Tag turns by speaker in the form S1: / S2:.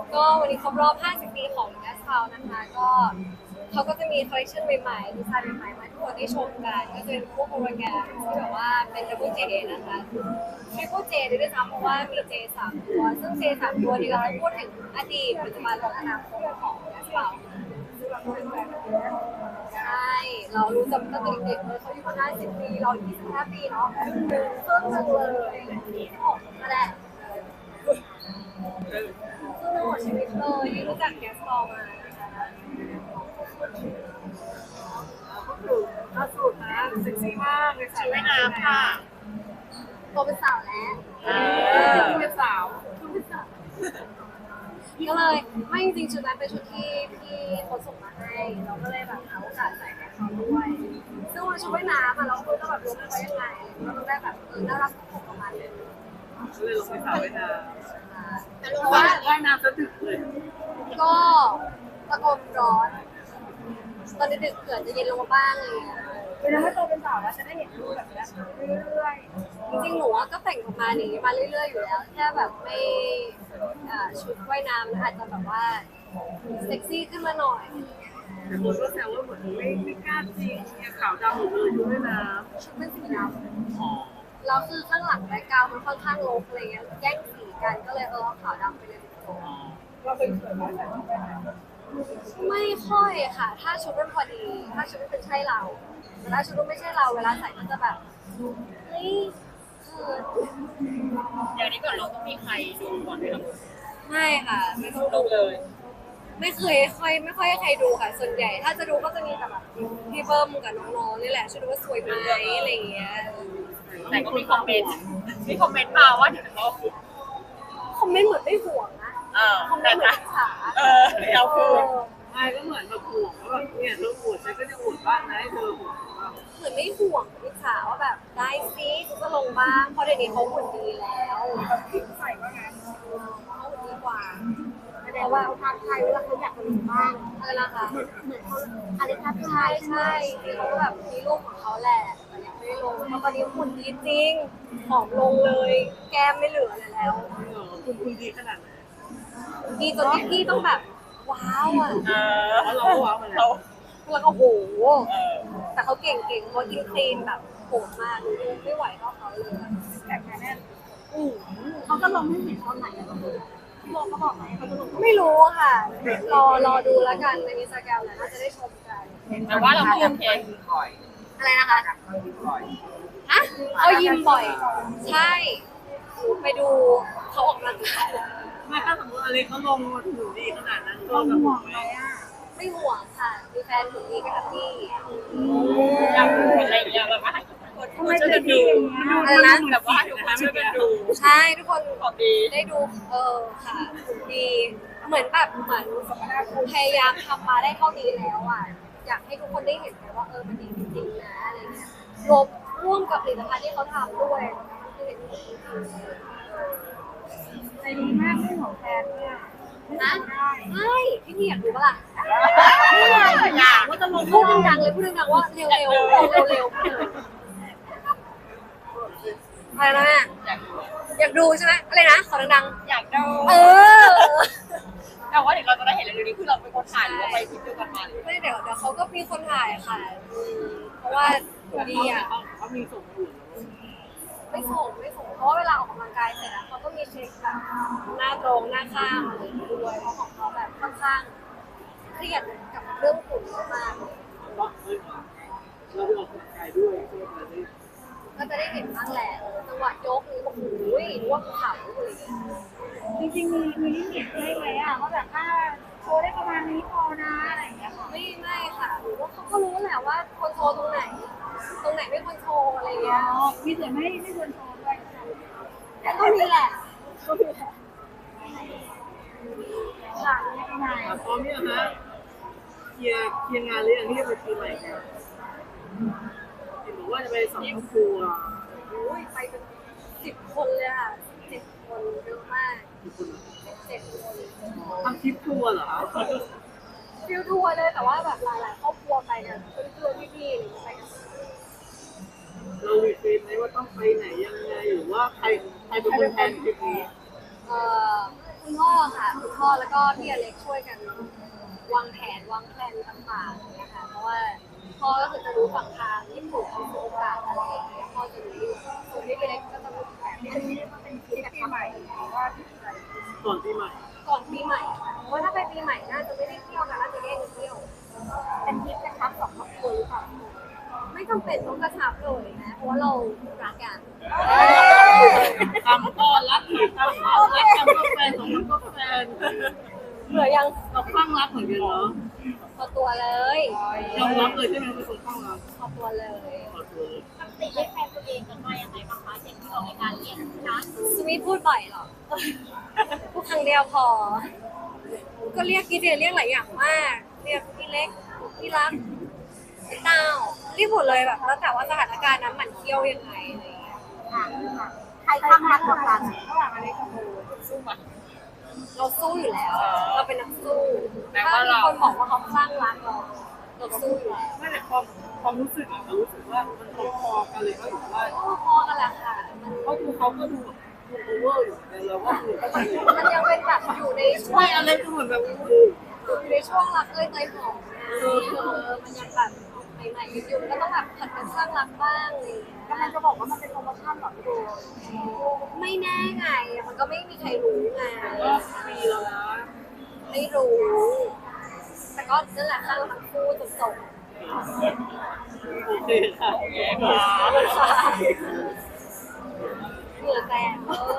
S1: ก็วันนี้ครบรอบ 50 ปีของ Gas House นะคะก็เขาก็จะมีคอลเลคชันใหม่ๆดีไซน์ใหม่ๆมาให้ทุกคนได้ชมกันก็จะเป็นพวกโฮโลแกรมที่แบบว่าเป็น Double J นะคะ Triple J ด้วยซ้ำเพราะว่ามี J 3 ตัวซึ่ง J 3 ตัวนี้เราจะพูดถึงอดีตปัจจุบันและอนาคตของ Gas House ใช่เรารู้จักตั้งแต่เด็กๆเลยเขาอยู่มา50 ปีเรา25 ปีเนาะครึ่งหนึงเลย26นั่นแหละครึ่งหนึงของชีวิตเลยที่รู้จักแกสตอมานะคะ
S2: ล่าสุดนะเซ็กซี่มากเลยชุดว่ายน้ำค่ะ
S1: โตเป็นสาวแล้ว
S2: เป็นสาว
S1: ก็เลยไม่จริงๆชุดนั้นเป็นชุดที่พี่เขาส่งมาให้เราก็เลยแบบหาโอกาสใส่ให้เขาด้วยซึ่งวันชุดว่ายน้ำอะเราก็แบบรู้ไว้ยังไงเราต้องได้แบบน่ารักของประมาณนึง
S2: ก็เลยลงไปสาวว่ายน้ำ
S1: แต่
S2: เพ
S1: รู้
S2: ราะ
S1: ว่า
S2: ว่าว่ายน้ำจะดึกเลย
S1: ก็ตะโกนร้อนตอนดึกๆเกิดจะเย็นลงมาบ้างเลย
S2: เป็นถ้าโตเป็นสาวแล้วจะได้เห็นรูปแบบนี้เรื่อย
S1: จริงๆหนูก็แต่งออกมาอย่างนี้มาเรื่อยๆอยู่แล้วแค่แบบไม่ชุดว่ายน้ำอาจจะแบบว่าเซ็กซี่ขึ้นมาหน่อย
S2: ๆแต่คนก็แซวว่าเหมือนไม่กล้าจริงเนี่ยขาวดำหมดเลยชุดว่ายน้
S1: ชุดเป็นสีด
S2: ำอ๋อ
S1: ำแล้วคือข้างหลังแบ็คกราวด์มันค่อนข้างรกอะไรเงี้ยแย่งสีกันก็เลยเอาขาวดำไปเลย
S2: เราเป็นสวยมากแต่ชุดว่ายน้ำ
S1: ไม่ค่อยค่ะ ถ้าชุดมันพอดี ถ้าชุดมันเป็นใช่เราแต่ถ้าชุดมันไม่ใช่เราเวลาใส่ก็จะแบบเฮ้ยเขิน
S3: อย่างนี้ก่อนเราต้องมีใครดูก่อนไหมครับ
S1: ไม่ค่ะไม่ต้อง
S3: ดู
S1: ดู
S3: เลย
S1: ไม่เคยไม่ค่อยให้ใครดูค่ะ ส่วนใหญ่ ถ้าจะดูก็จะมีแต่แบบพี่เบิ้มกับน้องๆนี่แหละช่วยดูว่าสวยไหมอะไรอย่างเงี้ย
S3: แต่ก็มีคอมเมนต์มาว่าเดี๋ยวเขา
S1: คอมเมนต์เหมือนไม่ห่วงนะ คอมเมน
S3: แต่
S1: ต์เหมือน
S3: นะ
S1: อิจฉา
S3: เราคือ
S2: ไม่ก็เหมือนแบบห่วงว่าแบบเนี่ยเธออวดฉันก็จะอวดบ้างนะให้เธอห่วงว่า
S1: เหมือนไม่ห่วงอิจฉาว่าแบบได้ซิก็ลงบ้างเพราะเดี๋ยวนี้เขาหุ่นดีแล้ว
S2: ใส่ว่าไง
S1: เขาหุ่นดีกว่า
S4: แต่ว่าทางไทยเวลาเขาอยากมีบ้าง
S1: อะไรนะคะ
S4: เหมือนเขาอะไรทัก
S1: ใช่
S4: ทาย
S1: ใช่ที่เขาแบบมีรูปของเขาแหละแต่ยังไม่ได้ลงเพราะตอนนี้หุ่นดีจริงผอมลงเลย แก้มไม่เหลือเลยแล้ว
S2: คุณดีขนาดไหน
S1: ดีจนที่พี่ต้องแบบว้าวอ่ะ
S2: เพราะเราก็ว้าวมาแล้ว
S1: แล้วก็โหแต่เขาเก่งเขากินคลีนแบบโหดมากไม่ไหวเท่าเขาเลย
S2: แต่แค่นั้น
S4: เขาจะลงให้เห็นตอนไหนอะพี่โบเขาบอกไหมเขาจะลง
S1: ไม่รู้ค่ะรอดูแล้วกันในอินสตาแกรมแล้วน่าจะได้ชมกัน
S3: แต่ว่าเราก็โอเค
S1: อะไรนะคะฮะเขายิมบ่อย ใช่หนูไปดูเขาออกกำลังกาย
S2: ไม่ถ้าสมมติอะไรเขาลงมาถึงดีขนาดนั้นก็
S4: เรา
S2: แบบ
S4: ห่วงไหมอ่ะ
S1: ไม่ห่วงค่ะมีแฟนหุ่นดีก็แฮปปี้
S3: อยากดูอะไรอย่างเงี้ยแบบว่าให้คนช่วยกันดู
S1: อะไรนะ
S3: แบบว่าทุกคนช่วยกันดู
S1: ใช่ทุกคน
S3: ของดี
S1: ได้ดูค่ะหุ่นดีเหมือนแบบเหมือนพยายามทำมาได้เท่านี้แล้วอ่ะอยากให้ทุกคนได้เห็นไงว่ามันดีจริงๆนะอะไรเงี้ยร่วมกับผลิตภัณฑ์ที่เขาทำด้วยคือเห็นจริง
S4: ใจดีมากไม่ห่วงแฟนด้วย
S1: ๆนะใช่พี่อยากดูปะล่ะ
S3: อยาก
S4: ว่าจะลง
S1: พูดดังๆเลยพูดดังๆว่าเร็วๆเร็วๆอะไรนะแม่
S3: อยากดู
S1: อยากดูใช่ไหมอะไรนะขอดัง
S3: อยากดู
S1: ๆ
S3: แต่ว่าเดี๋ยวเราจะได้เห็นเร็วๆนี้คือเราเป็นคนถ่ายหรือว่าไปทริปเดียวกันมาหรือ
S1: ไม่เดี๋ยวเขาก็มีคนถ่ายค่ะเพราะว่าดีอ่ะ
S2: เขามีส่งอยู่
S1: ไม่ส่งเพราะว่าเวลาออกกำลังกายเสร็จแล้วเขาก็มีเช็คแบบหน้าตรงหน้าข้างอะไรอย่างเงี้ยด้วยเพราะของเขาแบบค่อนข้างเครียดกับเรื่องหุ่นมาก
S2: ว่าเฮ้ยเราไปออกกำลังกายด้วยเพื่อมาได้
S1: ก็จะได้เห็นบ้างแหละจังหวะยกนี่โอ้โหว่าภูเขาอะไรอย่างเงี้ย
S4: จริงๆมีลิมิตให้ไหมอ่ะว่าแบบถ้าโชว์ได้ประมาณนี้พอนะอะไรอย่างเงี้ยค่ะ
S1: ไม่ค่ะหรือว่าเขาก็รู้แหละว่าควรโชว์ตรงไหนไม่ควรโชว์อะไรอย่างเงี้ย
S4: มีแต่ไม่ควรโชว์ด้วย
S1: แต่ก็มีแหละ
S4: ค่ะยังไง
S2: พร้อมเนี่ยฮะเคลียร์งานหรือยังที่จะไปปีใหม่กันเห็นบอกว่าจะไปสองครอบครัว
S1: โอ้ยไปเป็น10 คนเลยค่ะ10 คนเยอะมาก
S2: กี่คนเหรอ
S1: 7 คน
S2: ทำทริปทัวร์เหรอคะ
S1: ฟิลทัวร์เลยแต่ว่าแบบหลายๆครอบครัวไปกันเพื่อนๆพี่ๆอะไรอย่างเงี้ยไปกัน
S2: เราวีเฟนไหมว่าต้องไปไหนยังไงหรือว่าใครเป็นคนแทนทริปนี้
S1: เอ่อคุณพ่อค่ะคุณพ่อแล้วก็พี่อเล็กช่วยกันวางแผนวางแผนต่างๆอย่างเงี้ยค่ะเพราะว่าพ่อก็คือจะรู้ฝั่งทางญี่ปุ่นที่โอกาสอะไรอย่างเงี้ยพ่อจะรู้อยู่ส่วนพี่อเล็กก็จะรู้แบบ
S4: อันนี้มันเป็นทริปปีใหม่หรือว่าที่ไหน
S2: ก่อนปีใหม่
S1: ก่อนปีใหม่ค่ะเพราะว่าถ้าไปปีใหม่น่าจะไม่ได้เที่ยวกันน่าจะแยกกันเที่ยว
S4: เป็นทริปกระชับสองครอบครัวหรือเปล่า
S1: ไม่จำเป็นต้องกระชับเลยนะเพราะว่าเรารักกัน
S2: คำก็รักคำก็รักคำก็แฟนของคำก็แฟน
S1: เหลือยัง
S2: เราคลั่งรักเหมือนกันเนาะ
S1: พอตัวเลย
S2: ยอมรับเลยใช่ไหมเป็นคนคลั่งรัก
S1: พอตัวเลย
S2: ขอตัวเลย
S3: ปกติเรียกแฟนตัวเองกันว่ายังไงบ้างคะเช่นที่ออกรายการเรียกนะ
S1: สวีทพูดบ่อยเหรอ พูดครั้งเดียวพอ ก็เรียกพี่เจเรียกหลายอย่างมาก เรียกพี่เล็กพี่รักพี่เต้าเรียกหมดเลยแบบแล้วแต่ว่าสถานการณ์นั้นมันเที่ยวยังไงอะไรอย่างเงี้ย
S4: ใครข้างรักกว่ากันระหว่างอะไรกับโบ
S3: สู้มา
S1: เราสู้อยู่แล้ว เราเป็นนักสู้ถ้ามีคนบอกว่าเขาคลั่งรักเราสู้อยู่แล้ว
S2: ไม่แต่ความรู้สึกอะเรารู้สึกว่ามันพอๆกันเลยก็ถือว่า
S1: ก็พอกันแหละค่ะมัน
S2: เขาดูเขาก็ดูแบบดูโอเวอร์อยู่แต่เราก็ดูก็ดี
S1: มันยังเป็นแบบอยู่ในช่ว
S2: ไม่
S1: ง
S2: อะไรก็เหมือนแบบ
S1: อยู่ในช่วงรักเอ้ยเตยหอมมันยังแบบใหม่ๆกันอยู่ก็ต้องแบบผัดกันสร้างรักบ้างอะไรอย่างเงี้ย
S4: กำลังจะบอกว่ามันเป็นโปรโมชั่นเหรอพี่โบ
S1: ไม่แน่ไง มันก็ไม่มีใครรู้ไง
S2: ก็ปีแล้วนะ
S1: ไม่รู้ แต่ก็นั่นแหละสร้างทั้งคู่จนจบ
S2: โอเคค่ะ
S1: เหงื่อแตกเลย